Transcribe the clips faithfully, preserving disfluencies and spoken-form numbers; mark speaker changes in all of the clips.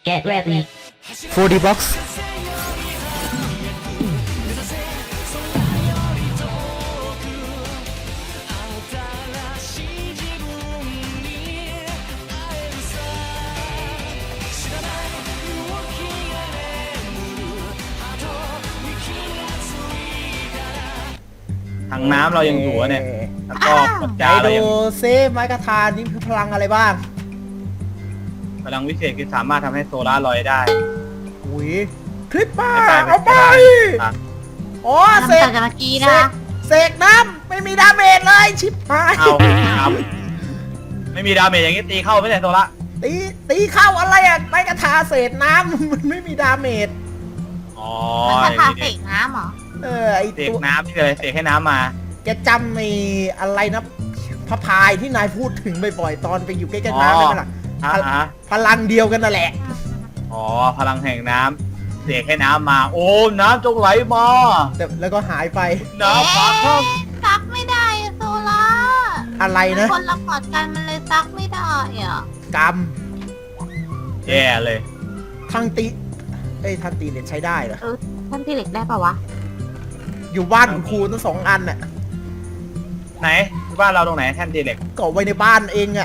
Speaker 1: Get ready.
Speaker 2: โฟร์ ดี Box
Speaker 3: ถังน้ำเรายังอยู่อะเนี่ยแล้วก็กด
Speaker 2: ไหน
Speaker 3: จาเรา
Speaker 2: ดู
Speaker 3: ยัง
Speaker 2: ซิไม้กระทานนี่คือพลังอะไรบ้าง
Speaker 3: พลังวิเศษคือสามารถทำให้โซล่าร์ลอยได้
Speaker 2: อุ้ยคลิปป้า
Speaker 3: ไม่
Speaker 2: เอาไป
Speaker 3: ไม่ได้
Speaker 2: อ๋อเส
Speaker 4: ทำ
Speaker 2: ก
Speaker 4: ต่อจากเมื่อกี้
Speaker 2: เส
Speaker 4: นะ
Speaker 2: กเสกน้ำไม่มีดาเมจเลยชิบหาย
Speaker 3: เอาครับไม่มีดาเมจอย่างนี้ตีเข้าไม่ได้โซล่า
Speaker 2: ตีตีเข้าอะไรอ่ะไม้กระทาเศษน้ำ มันไม่มีดาเมจ
Speaker 3: อ๋อ
Speaker 4: มัน
Speaker 3: อ
Speaker 4: คา
Speaker 3: ย่าง
Speaker 4: ถา
Speaker 3: นี้
Speaker 4: เสกน้ำเหรอ
Speaker 2: เออไอ
Speaker 3: เสก
Speaker 2: ตัว
Speaker 3: น้ำที่เลยเสกให้น้ำมา
Speaker 2: แกจำไอ้อะไรนะพระพายที่นายพูดถึงบ่อยๆตอนไปอยู่ใกล้
Speaker 3: อ๋
Speaker 2: ๆ
Speaker 3: อ
Speaker 2: น้ำได้ไหมล่ะ
Speaker 3: อ่ะอ่ะ
Speaker 2: พลังเดียวกันนั่นแหละ
Speaker 3: อ๋อพลังแห่งน้ำเสกให้น้ำมา โอ้น้ำจงไหลมา
Speaker 2: แต่แล้วก็หายไป
Speaker 3: น้ำฟ้าเข้า
Speaker 4: ซักไม่ได้อะโซล่า
Speaker 2: อะไรนะ
Speaker 4: คนละพอร์ตกันมันเลยซักไม่ได้อ่ะ
Speaker 2: กรรม
Speaker 3: แย่เลย
Speaker 2: ทางตีเอ้ยทางตีเหรียญใช้ได้เหรอ
Speaker 4: เออท่านที่เหล็กได้ปะวะ
Speaker 2: อยู่บ้านคุณครูทั้งสองอันน่ะ
Speaker 3: ไหนบ้านเราตรงไหนแท่นตีเหล็ก
Speaker 2: ก็ไว้ในบ้านเองอ่ะ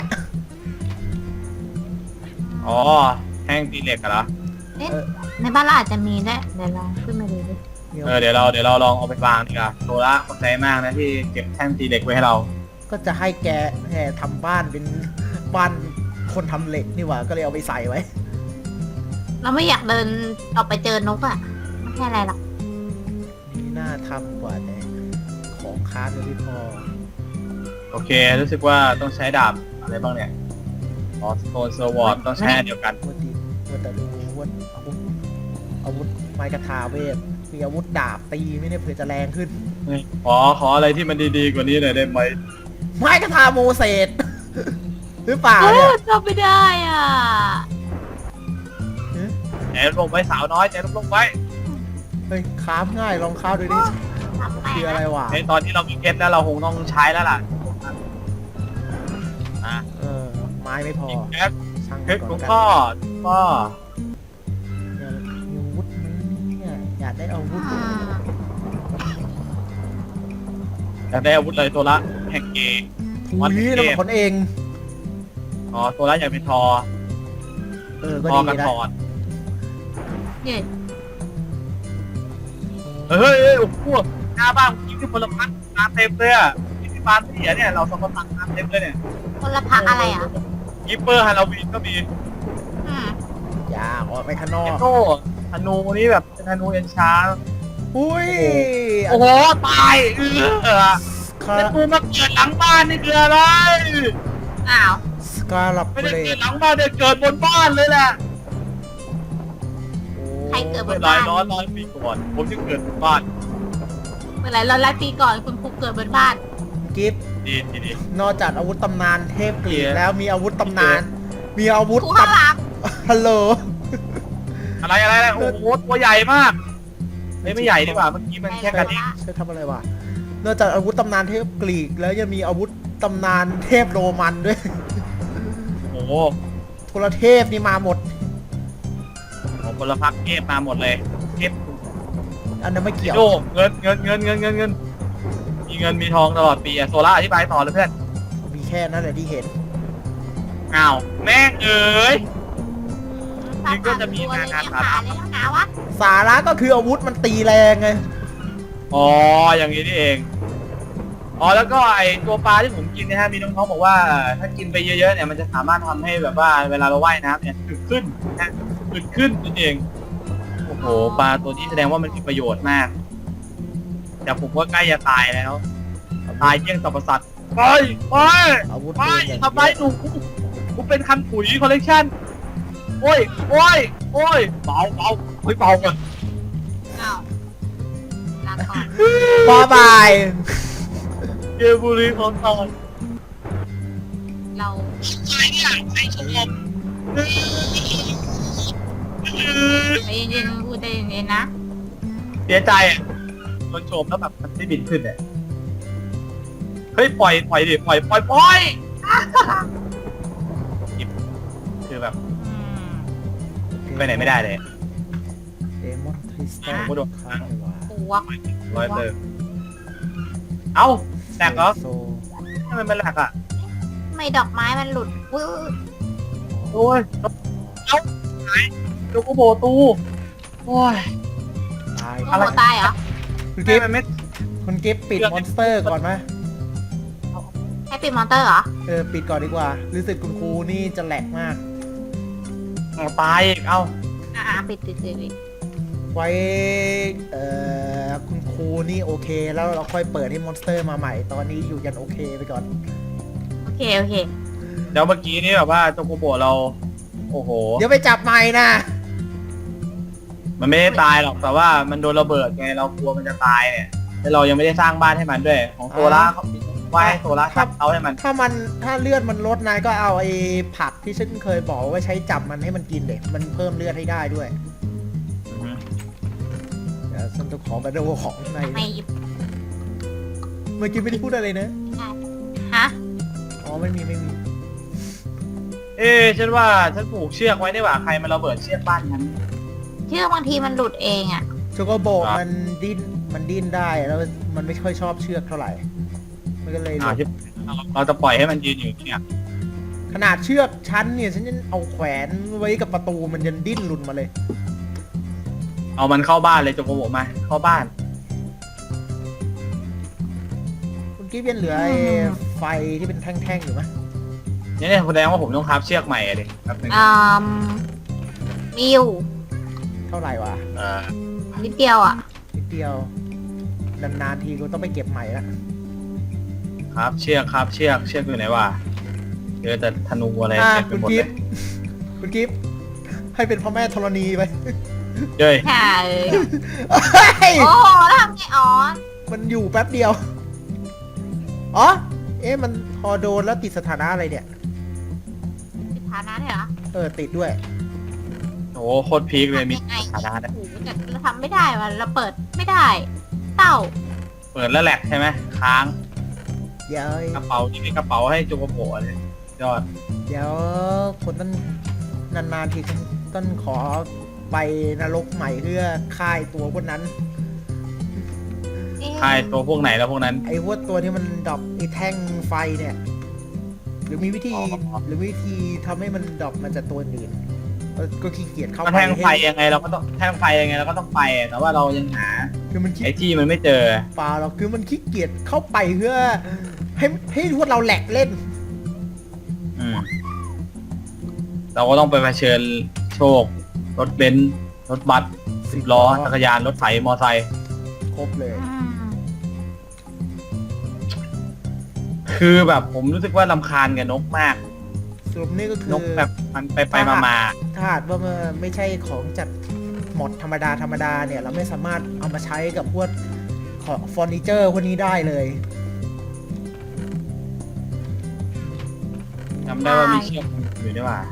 Speaker 3: อ๋อแท่งตีเหล็กอะเหรอ
Speaker 4: เอ๊ะ
Speaker 2: เออ
Speaker 4: ในบ้านเราอาจจะมีได้เดี๋ยวลองขึ้นมาดูดิ
Speaker 3: เออเดี๋ยวเราเดี๋ยวเราลองเอาไปวางดีกว่าโซล่าขอบใจมากนะที่เก็บแท่งตีเหล็กไว้ให้เรา
Speaker 2: ก็จะให้แกแห่ทำบ้านเป็นบ้านคนทำเหล็กนี่หว่าก็เลยเอาไปใส่ไว้
Speaker 4: เราไม่อยากเดินออกไปเจอนกอ่ะไม่ใช่อะไรหรอก
Speaker 2: นี่น่าทำกว่าแต่ของค้ายังไม่พอ
Speaker 3: โอเค รู้สึกว่าต้องใช้ดาบอะไรบ้างเนี่ยอ๋อสโตนเซอร์วอร์ดต้องใช้อันเดียวกัน
Speaker 2: ว่าดีว่าแต่รู้ว่าอาวุธอาวุธไม้กระทาเวทมีอาวุธดาบตีไม่ได้เผื่อจะแรงขึ้น
Speaker 3: ขอขออะไรที่มันดีๆกว่านี้หน่อยได้ไหม
Speaker 2: ไม้กระทาโมเสส หรือเปล่า
Speaker 4: เอ
Speaker 2: เนี่ย
Speaker 4: อจำไม่ได้อ่ะ
Speaker 3: ใจลงไว้สาวน้อยใจลงไว้
Speaker 2: เฮ้ยค้ามง่ายลองค้ามดูดิ
Speaker 4: ทำไป
Speaker 2: คืออะไรวะ
Speaker 3: ในตอนที่เรามีเพชรแล้วเราคงต้องใช้แล้วล่ะอ่ะ
Speaker 2: เออไม้ไม่พอ
Speaker 3: อีกเพชร
Speaker 2: ช่าง
Speaker 3: เพ
Speaker 2: มัน
Speaker 3: ชร
Speaker 2: ก่อน
Speaker 3: ของ
Speaker 2: กัน
Speaker 3: พ่อพ่อ
Speaker 2: อยากมีอาวุธไหมเนี่ยอยากได้อาวุธ
Speaker 4: อืม
Speaker 3: อยากได้อาวุธอะไรตัวละแห่งเกย์
Speaker 2: ทุยแล้วมันคนเอง
Speaker 3: อ๋อตัวละอยากเป็นทอ
Speaker 2: เออก็
Speaker 3: ทอ
Speaker 2: ดี
Speaker 3: กัน
Speaker 2: นะ
Speaker 3: ทอน
Speaker 4: เนี่ย
Speaker 3: เฮ้ยเฮ้ยโอ้โหหน้าบ้านกินที่ผลไม้มาเต็มเลยอ่ะที่ที่บ้านเสียเนี่ยเราสองคนตักน้ำเต็มเลยเนี่ย
Speaker 4: คนละพักอะไรอ่ะ
Speaker 3: กิปเปอร์ฮาโลวีนก็มี
Speaker 4: อืม
Speaker 2: อย่าออกไปข้างนอ
Speaker 3: เอก โต้ธนูนี่แบบเป็นธนูเอ็นชาร์
Speaker 2: อุ้ย
Speaker 3: โอ้โหตายเออ
Speaker 2: คา
Speaker 3: แล้วกูมาเกิดหลังบ้านนี่คืออะไร
Speaker 4: อ้าว
Speaker 2: สกาลับ
Speaker 3: ไม่
Speaker 2: เบ
Speaker 3: ได้
Speaker 2: ร
Speaker 3: เกิ
Speaker 2: ด
Speaker 3: ดหลังบ้านเนี่ยเกิดบนบ้านเลยแหละ
Speaker 4: ใครเกิดบ
Speaker 3: เมื่
Speaker 4: น
Speaker 3: อหลา
Speaker 4: บ้าย น
Speaker 3: ร้อยร้อยปีก่อนผมจะเกิดบนบ้าน
Speaker 4: เมื่อไหร่เราไล่ปีก่อนคุณครูเกิดบนบ้าน
Speaker 2: กิฟต์
Speaker 3: ดีดีดี
Speaker 2: นอกจากอาวุธตำนานเทพกรีก
Speaker 3: เหี้ย
Speaker 2: แล้วมีอาวุธตำนาน มีอาวุธ
Speaker 4: ครูข้างหลัง
Speaker 2: ฮัลโหล
Speaker 3: อะไรอะไรอะไรโอ้โหตัวใหญ่มากไม่ไม่ใหญ่ดีกว่าเมื่อกี้มันแค่กระดิ่ง
Speaker 2: ใช่ทำอะไรวะนอกจากอาวุธตำนานเทพกรีกแล้วยังมีอาวุธตำนานเทพโรมันด้วย
Speaker 3: โอ้โห
Speaker 2: โทรเทพนี่มาหมด
Speaker 3: ของพลพรรคเทพมาหมดเลยเทพ
Speaker 2: อันนั้นไม่เกี่ยว
Speaker 3: โดเงินเงินเงินเงินเงินเงินมีเงินมีทองตลอดปีอะโซล่าอธิบายต่อเลยเพื่อน
Speaker 2: มีแค่นั้นแหละที่เห็น
Speaker 3: อ้าวแม่งเอ๋ย
Speaker 4: อื
Speaker 3: นี่ก็จะมีงาน
Speaker 4: สา
Speaker 3: สา
Speaker 4: ขา
Speaker 3: ระ
Speaker 4: เลยนะวะ
Speaker 2: สาระก็คืออาวุธมันตีแรงไง
Speaker 3: อ๋ออย่างนี้นี่เองอ๋อแล้วก็ไอตัวปลาที่ผมกินเนะฮะมีน้องๆบอกว่าถ้ากินไปเยอะๆเนี่ยมันจะสามารถทำให้แบบว่าเวลาเราว่ายน้ำเนี่ยอึดขึ้นนะฮะอึดขึ้นนั่นเองโอ้โหปลาตัวนี้แสดงว่ามันมีประโยชน์มาก แต่ผมว่าใกล้จะตายแล้ว ตายเยี่ยงสรรพสัตว์ไปไป
Speaker 2: อาวุธ
Speaker 3: ไป
Speaker 2: ปืนอย่าง
Speaker 3: ทำไมหนูกูกูเป็นคันปุ๋ยคอลเลกชันโอ้ยโอ้ยโอ้ยเบาเบาเฮ้ยเบาก่อน
Speaker 4: อ้าวลาก่อน
Speaker 2: บายบาย
Speaker 3: เกมบุรีของตอน
Speaker 4: เรา
Speaker 3: ใช่เนี่ยใช่ชม
Speaker 4: ใจเย็นๆพูดใจเย็นๆนะ
Speaker 3: เสียใจอ่ะโดนโจมแล้วแบบมันไม่บินขึ้นเนี่ยเฮ้ยปล่อยปล่อยดิปล่อยปล่อยปล่อยคือแบบ
Speaker 4: อืม
Speaker 2: โอเค
Speaker 3: ไปไหนไม่ได้เลย
Speaker 2: เดมอนทริสตั
Speaker 3: ผมก็โดน
Speaker 2: คาร์วา
Speaker 4: ปวก
Speaker 3: ร้อยเติมเอ้าแหลกเหรอ
Speaker 2: โซ
Speaker 3: ทำไมมันแหลกอ่ะ
Speaker 4: ทำไมดอกไม้มันหลุดอุ้ยอุ๊ย
Speaker 3: โอ้ยเอ้าไหนโจโกโบตูโอ้ย
Speaker 2: ตาย
Speaker 4: โอ้โหตายเหรอ
Speaker 2: คุณ
Speaker 3: ทำ
Speaker 2: กิฟ
Speaker 3: ไมมันไม่
Speaker 2: คุณกิฟปิดมอนสเตอร์ก่อนไหม
Speaker 4: ให้ปิดมอนเตอร์เหรอ
Speaker 2: เออปิดก่อนดีกว่า รู้สึกคุณครูนี่จะแหลกมาก
Speaker 3: เอาตายอีกเอ้า
Speaker 4: อ่าปิดปิดปิดปิด
Speaker 2: ไว้เอ่อคุณครูนี่โอเค แล้วเราค่อยเปิดให้มอนสเตอร์มาใหม่ ตอนนี้อยู่ยันโอเคไปก่อน
Speaker 4: โอเคโอเค
Speaker 3: เดี๋ยวเมื่อกี้นี่แบบว่าโจโกโบเรา โอ้โห
Speaker 2: เดี๋ยวไปจับใหม่นะ
Speaker 3: มันไม่ได้ตายหรอกแต่ว่ามันโดนระเบิดไงเรากลัวมันจะตายเนี่ยแล้วเรายังไม่ได้สร้างบ้านให้มันด้วย ของโซล่าเขาว่าให้โซล่าทับเอาให้มัน
Speaker 2: ถ้ามันถ้าเลือดมันลดนายก็เอาไอ้ผักที่ฉันเคยบอกว่าใช้จับมันให้มันกินเด็มันเพิ่มเลือดให้ได้ด้วย
Speaker 3: อือฮึ
Speaker 2: เดี๋ยวฉันจะขอมาดูของใน
Speaker 4: ไม่
Speaker 2: เมื่อกี้ไม่ได้พูดอะไรนะ
Speaker 4: ฮะ
Speaker 2: อ๋อไม่มีไม่มี
Speaker 3: เอ๊ะฉันว่าฉันผูกเชือกไว้ได้ว่าใครมันระเบิดเชือกบ้านฉัน
Speaker 4: เชือกบางทีมันหลุดเองอ่ะ
Speaker 2: โชโกโบ
Speaker 3: ครับ
Speaker 2: มันดิ้นมันดิ้นได้แล้วมันไม่ค่อยชอบเชือกเท่าไหร่ มันก็เลยหลุ
Speaker 3: อ่า
Speaker 2: ด
Speaker 3: ที่เราจะปล่อยให้มันยืนอยู่เนี่ย
Speaker 2: ขนาดเชือกชั้นเนี่ยฉันยังเอาแขวนไว้กับประตูมันยังดิ้นหลุดมาเลย
Speaker 3: เอามันเข้าบ้านเลยโจโกโบมาเข้าบ้าน
Speaker 2: คุณกิ๊ฟยังเหลือไอ้ไฟที่เป็นแท่งๆอยู่ไหม
Speaker 3: นี่เนี่ยแสดงว่าผมต้องทับเชือกใหม่อะดิครับหนึ่ง
Speaker 4: อืมมีอยู่
Speaker 2: เท่าไหร่วะ
Speaker 3: เออ
Speaker 4: นิดเดียวอ่ะ
Speaker 2: นิดเดียวนานๆทีก็ต้องไปเก็บใหม่ละ
Speaker 3: ครับเชือกครับเชือกเชือกอยู่ไหนวะเจอแต่ธนูอะไร
Speaker 2: อ่า
Speaker 3: เต็มไป
Speaker 2: คุณ
Speaker 3: หมด
Speaker 2: กิ๊
Speaker 3: เล
Speaker 2: ฟ
Speaker 3: ย
Speaker 2: คุณกิ๊ฟให้เป็นพ่อแม่ธรณีไป
Speaker 3: เจ้ย
Speaker 4: ใช่
Speaker 2: เฮ้ย
Speaker 4: โอ้แล้วทำไงอ๋อ
Speaker 2: มันอยู่แป๊บเดียว อ๋อ เอ๊ะ มันพอโดนแล้วติดสถานะอะไรเนี่ย
Speaker 4: ติดฐานะด้วยเหรอ
Speaker 2: เออ ติดด้วย
Speaker 3: โอ้โหโคตรพีคเลยมี
Speaker 4: ทำยังไง
Speaker 3: ฐานะนะ
Speaker 4: โอ้โหแต่เราทำไม่ได้ว่ะเราเปิดไม่ได้ เต้า
Speaker 3: เปิดแล้วแหลกใช่ไหมค้าง
Speaker 2: เดี๋ยว
Speaker 3: กระเป๋าที่มีกระเป๋าให้โจโกโบเลยยอด
Speaker 2: เดี๋ยวคนต้นนานๆทีต้นขอไปนรกใหม่เพื่อค่ายตัวพวกนั้น
Speaker 4: เอ๊ะ
Speaker 3: ใครตัวพวกไหนแล้วพวกนั้น
Speaker 2: ไอ้พวกตัวที่มันดรอปไอ้แท่งไฟเนี่ย หรือมีวิธี
Speaker 3: อ๋อ
Speaker 2: หรือวิธีทำให้มันดรอปมาจากตัวอื่นเออก็ขี้เกียจเข้า
Speaker 3: ก็
Speaker 2: ไป
Speaker 3: แท่งไฟ
Speaker 2: ให้
Speaker 3: ยังไงเราก็ต้องแท่งไฟยังไงเราก็ต้องไปอะแต่ว่าเรายังหา
Speaker 2: คือมันขี้
Speaker 3: ไอ้ที่มันไม่เจอ
Speaker 2: เปล่าหรอกคือมันขี้เกียจเข้าไปเพื่อ ให้ให้พวกเราแหลกเล่น
Speaker 3: อืมเราก็ต้องไปเผชิญโชค รถเบนซ์รถบัสสิบล้อจักรยานรถไถมอไซค์
Speaker 2: ครบเลย
Speaker 4: อืม
Speaker 3: คือแบบผมรู้สึกว่าลำคาญกับนกมาก
Speaker 2: สรุปนี่ก็คื
Speaker 3: น
Speaker 2: อก
Speaker 3: แบบมันไปไปมามา
Speaker 2: ถ้าหากว่ามันไม่ใช่ของจัดหมดธรรมดาธรรมดาเนี่ย เราไม่สามารถเอามาใช้กับพวกของเฟอร์นิเจอร์พวกนี้ได้เลย
Speaker 3: จำได้ว่ามีเชือกอยู่ด้วยว่า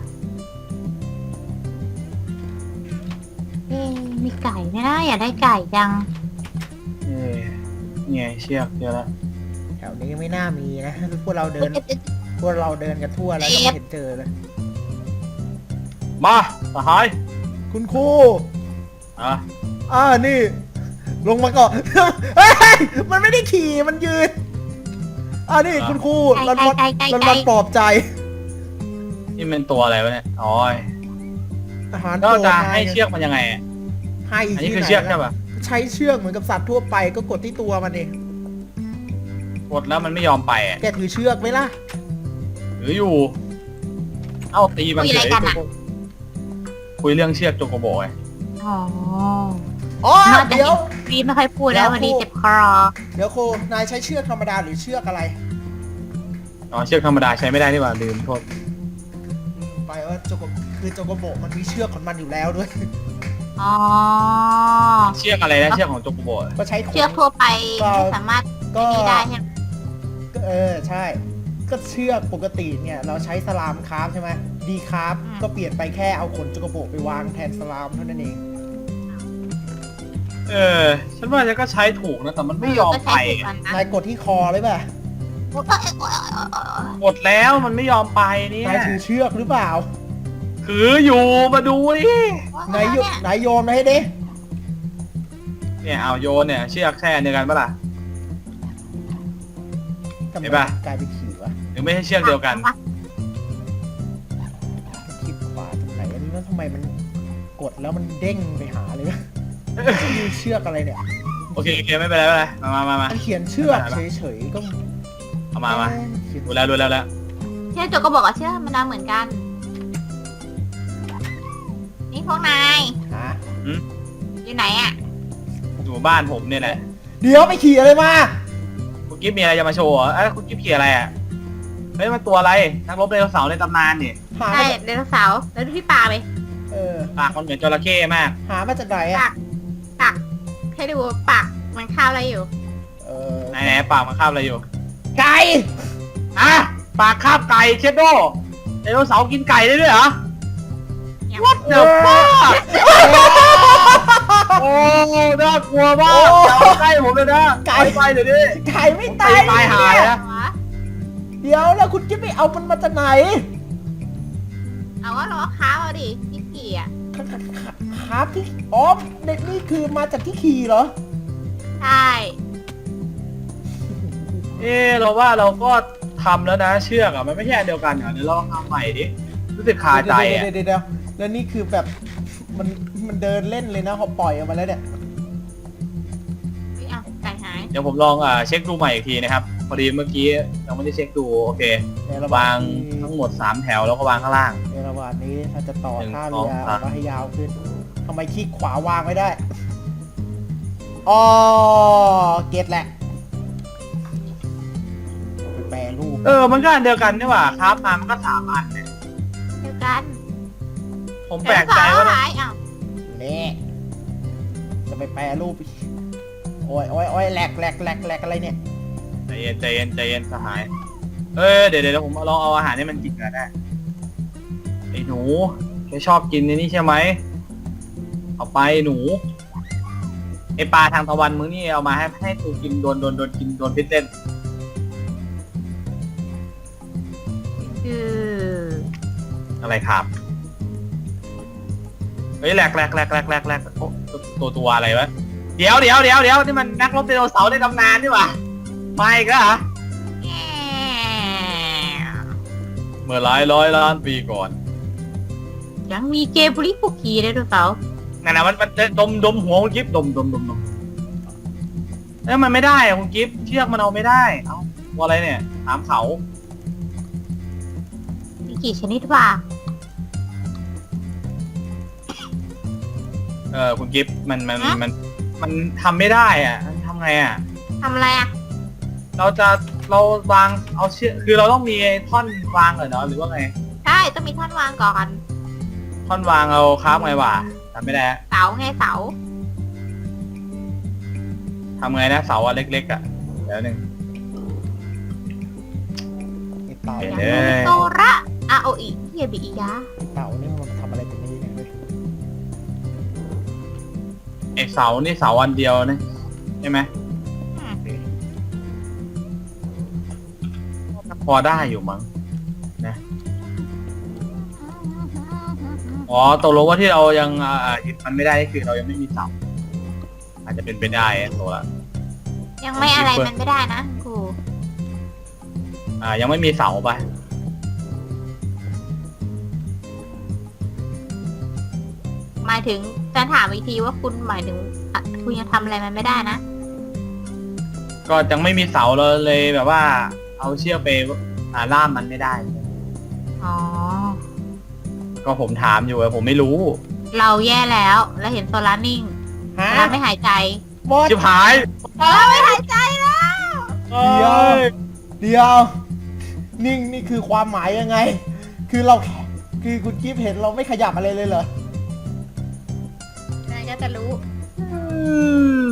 Speaker 4: เอ๊ะมีไก่ไหมนะอยากได้ไก่จัง
Speaker 3: เอ้ยนี่ไงเชือกเจอแล้ว
Speaker 2: แถวนี้ไม่น่ามีนะ พวกเราเดิน พวกเราเดินกันทั่วแล้วก็ไม่เห็นเจอเลย
Speaker 3: มาสหาย
Speaker 2: คุณครู
Speaker 3: อ่ะ
Speaker 2: อ่านี่ ลงมาก่อน เฮ้ยมันไม่ได้ขี่มันยืนอ่านี่คุณครู
Speaker 4: ไก่
Speaker 2: รันวัน
Speaker 4: ไก่ไก่
Speaker 2: รัน
Speaker 4: ไก่
Speaker 2: วันปลอบใจ
Speaker 3: นี่เป็นตัวอะไรวะเนี่ยอ๋อ
Speaker 2: อาหาร
Speaker 3: ก็
Speaker 2: โปรด
Speaker 3: จะ
Speaker 2: นาย
Speaker 3: ให้เชือกมันยังไงอะ
Speaker 2: ให้
Speaker 3: อันนี้
Speaker 2: ที่
Speaker 3: คือ
Speaker 2: ไหน
Speaker 3: เชือก
Speaker 2: ล่ะ
Speaker 3: ใช่ปะ
Speaker 2: ใช้เชือกเหมือนกับสัตว์ทั่วไปก็กดที่ตัวมันเอง
Speaker 3: กดแล้วมันไม่ยอมไปอะ
Speaker 2: แกถือเชือกไหมล่ะ
Speaker 3: หรืออยู่ เอ้าตีมัน
Speaker 4: คุย
Speaker 3: เฉ
Speaker 4: อะไร
Speaker 3: ย
Speaker 4: กันอะ
Speaker 3: คุยเรื่องเชือกโจโกโบไง
Speaker 4: อ๋อ
Speaker 2: อ๋อ
Speaker 4: น่าจะ
Speaker 2: เดี๋ยว
Speaker 4: วีไม่ค่อยพูดแล้ววันนี้เจ็บคอ
Speaker 2: เดี๋ยวโค นายใช้เชือกธรรมดาหรือเชือกอะไร
Speaker 3: อ๋อเชือกธรรมดาใช้ไม่ได้นี่หว่าลืมโทษ
Speaker 2: ไปว่าโจโกคือโจโกโบมันมีเชือกของมันอยู่แล้วด้วย
Speaker 4: อ๋อ
Speaker 3: เชือกอะไรนะเชือกของโจโกโบอะ
Speaker 2: ก็ใช้ข
Speaker 4: เชือกทั่วไปไม่สามารถ
Speaker 2: ก็
Speaker 4: นี่ได้ใช่ไหม
Speaker 2: ก็เออใช่ ก็เชือกปกติเนี่ย เราใช้สลามคราฟใช่ไหมดีคราฟก็เปลี่ยนไปแค่เอาขนโจโกโบไปวางแทนสลามเท่านั้นเอง
Speaker 3: เออ ฉันว่าจะก็ใช้ถูกนะแต่มันไม่ยอม
Speaker 4: ก็
Speaker 3: ไป
Speaker 4: ใช้ถูกอันนะ
Speaker 2: นายกดที่คอเลยป่ะ
Speaker 4: โอ๊ยโอ๊ยโอ๊ยโอ๊ยโอ๊ย
Speaker 3: กดแล้วมันไม่ยอมไปเนี่ย
Speaker 2: นายถือเชือกหรือเปล่า
Speaker 3: ถืออยู่มาดูดิ
Speaker 2: ไหนโยไหนโยนมาให้ดิ
Speaker 3: เนี่ยเอาโยนเนี่ยเชือกแช่เดียวกันปะล่ะ
Speaker 2: ทำไม
Speaker 3: เห็นปะ
Speaker 2: กลายเป็นขี่วะ
Speaker 3: หรือไม่ใช่เชือกเดียวกัน
Speaker 2: คลิกขวาตรงไหนอันนี้แล้วทำไมมันกดแล้วมันเด้งไปหาเลยวะมีเชือกอะไรเนี่ย
Speaker 3: โอเคโอเคไม่เป็นไรไม่เป็นไรมามามามา
Speaker 2: มันเขียนเชือกเฉยๆก็
Speaker 3: เอามามา
Speaker 2: เขียน
Speaker 3: ดูแล้วดูแล้วแล้ว
Speaker 4: เชื่อโจก็บอกว่าเชื่อมันดำเหมือนกัน นี่พวกนาย
Speaker 2: หา
Speaker 4: อยู่ไหนอ่ะ
Speaker 3: อยู่บ้านผมเนี่ยแหละ
Speaker 2: เดี๋ยวไปขี่อะไรมา
Speaker 3: คุณกิ๊ฟมีอะไรจะมาโชว์เหรอเอ้ยคุณกิ๊ฟขี่อะไรอ่ะเฮ้ยมันตัวอะไรนักรบไดโนเสาร์ในตำนานเนี่ย
Speaker 2: หา
Speaker 4: ใช่
Speaker 2: มาจาก
Speaker 4: ไดโนเสาร์แล้วดูที่ปากเลย
Speaker 2: เออ
Speaker 3: ปากมันเหมือนจระเข้มาก
Speaker 2: หามาจากไหน
Speaker 4: ปา
Speaker 2: อ่ะ
Speaker 4: กปากให้ดูปากมันข้าวอะไรอยู่
Speaker 2: เออ
Speaker 3: ไหนไหนปากมันคาบอะไรอยู่
Speaker 2: ไก่
Speaker 3: อ่ะปากคาบไก่เชดโดไดโนเสาร์กินไก่ได้ด้วยเหรอ What the fuck โอ้น่ากลัวมากอย่ามาใกล้ผมเลยนะไก่ไปเดี๋ยวนี้
Speaker 2: ไก่ไม่
Speaker 3: ผม
Speaker 2: ตาย
Speaker 3: ตายหาย
Speaker 2: เนี่
Speaker 3: นะ
Speaker 2: เดี๋ยวแล้วคุณกิ๊บไปเอามันมาจากไหน
Speaker 4: เอาว่าเราค้าเอาดิที่ขี่อ่ะ
Speaker 2: ครับที่อ๋อเด็กนี่คือมาจากที่ขี่เหรอ
Speaker 4: ใช่
Speaker 3: เออเราว่าเราก็ทำแล้วนะเชือกอ่ะมันไม่ใช่อันเดียวกันเหรอเดี๋ยวเราลองทำใหม่ดิรู้สึกคาใจอ่ะ
Speaker 2: เดี๋ยวเดี๋ยวเดี๋ยวแล้วนี่คือแบบมันมันเดินเล่นเลยนะพอปล่อยออกมาแล้วเนี่ย
Speaker 4: ไม่เอาไก่หาย
Speaker 3: เดี๋ยวผมลองอ่าเช็คดูใหม่อีกทีนะครับพอดีเมื่อกี้ยังไม่ได้เช็คดูโอเค
Speaker 2: ในระห
Speaker 3: วาง
Speaker 2: นี้
Speaker 3: ทั้งหมดสามแถวแล้วก็วางข้างล่าง
Speaker 2: ในระหว่างนี้ถ้าจะต่อ
Speaker 3: หนึ่ง
Speaker 2: ท่า
Speaker 3: ส
Speaker 2: เรือ
Speaker 3: อง
Speaker 2: อ
Speaker 3: สาม
Speaker 2: อกมาให้ยาวขึ้นทำไมคลิกขวาวางไม่ได้อ๋อเก็ตแหละไปแปรรูป
Speaker 3: เออมันก็อันเดียวกันนี่หว่าครับมามันก็สามอันเนี่ย
Speaker 4: เดียวกัน
Speaker 3: ผมแปลกใจ
Speaker 4: ไดโน
Speaker 3: ว่า
Speaker 4: เสร์หายอ้าว
Speaker 2: นี่จะไปแปรรูปอีกโอ้ยโอ้ยโอ้ยแหลกแหลกแหลกแหลกอะไรเนี่ย
Speaker 3: ใจเย็นใจเย็นใจเย็นสหายเออเดี๋ยวเดี๋ยวผมลองเอาอาหารให้มันกินกันได้ไอ้หนูแกชอบกินในนี่ใช่ไหมเอาไปหนูไอปลาทางตะวันมึงนี่เอามาให้ให้ตูกินโดนโดนโดนกินโดนพิษเล่น
Speaker 4: คือ
Speaker 3: อะไรครับเฮ้ยแหลกแหลกแหลกแหลกแหลกแหลกโอ้ตัวตัวอะไรวะเดี๋ยวเดี๋ยวเดี๋ยวเดี๋ยวนี่มันนักรบไดโนเสาร์ในตำนานนี่หว่าไม่ก็เหรอ
Speaker 4: แง่
Speaker 3: เมื่อหลายร้อยล้านปีก่อน
Speaker 4: ยังมีเกมบุริฟุกีไดโนเสาร์
Speaker 3: นั่นนะมันมันดมดมหัวคุณกิฟดมดมดมดมแล้วมันไม่ได้อะคุณกิฟเชือกมันเอาไม่ได้เอ้าตัวอะไรเนี่ยถามเขา
Speaker 4: มีกี่ชนิดวะ
Speaker 3: เออคุณกิฟมันมันมันมันทำไม่ได้อ่ะมันทำไงอ่ะ
Speaker 4: ทำอะไรอ่ะ
Speaker 3: เราจะเราวางเอาเชือกคือเราต้องมีท่อนวางเหรอเนาะหรือว่าไง
Speaker 4: ใช่ต้องมีท่อนวางก่อน
Speaker 3: ท่อนวางเอาค้าบไงวะทำไม่ได้
Speaker 4: เสาไงเสา
Speaker 3: ทำไงนะเสาอันเล็กๆอ่ะเดี๋ยวหนึ่ง
Speaker 2: ไอเต่า
Speaker 3: เห็น
Speaker 4: อย่าง
Speaker 3: เอ้
Speaker 4: โน
Speaker 3: ย
Speaker 4: โตระอาโออิเฮียบิอิยะ
Speaker 2: ไอเต่านี่มันทำอะไรเป็นนี้เนี่ยเว้ย
Speaker 3: ไอเสานี่เสาอันเดียวนะใช่ไหมพอได้อยู่มั้งนะอ๋อตกลงว่าที่เรายังอ่ายึดมันไม่ได้นี่คือเรายังไม่มีเสาอาจจะเป็นไปได้อะตัวละ
Speaker 4: ยังไม่อะไรมันไม่ได้นะครู
Speaker 3: อ่ายังไม่มีเสาไป
Speaker 4: หมายถึงจะถามอีกทีว่าคุณหมายถึงอ่ะคุณยังทำอะไรมันไม่ได้นะ
Speaker 3: ก็ยังไม่มีเสาเราเลยแบบว่า เอาเชือกไปอ่าล่ามมันไม่ได้
Speaker 4: อ๋อ
Speaker 3: ก็ผมถามอยู่อะผมไม่รู้
Speaker 4: เราแย่แล้วแล้วเห็นโซลาร์นิ่ง
Speaker 2: ฮะ
Speaker 4: โซลาร์ไม่หายใจ
Speaker 2: บอส
Speaker 3: ชิบหาย
Speaker 4: โซลาร์ไม่หายใจแล้ว
Speaker 2: เดี๋ยว เดี๋ยว นิ่งนี่คือความหมายยังไง คือเราแค่คือคุณกิฟเห็นเราไม่ขยับอะไรเลยเหรอ
Speaker 4: นายก็จะรู้
Speaker 3: อืม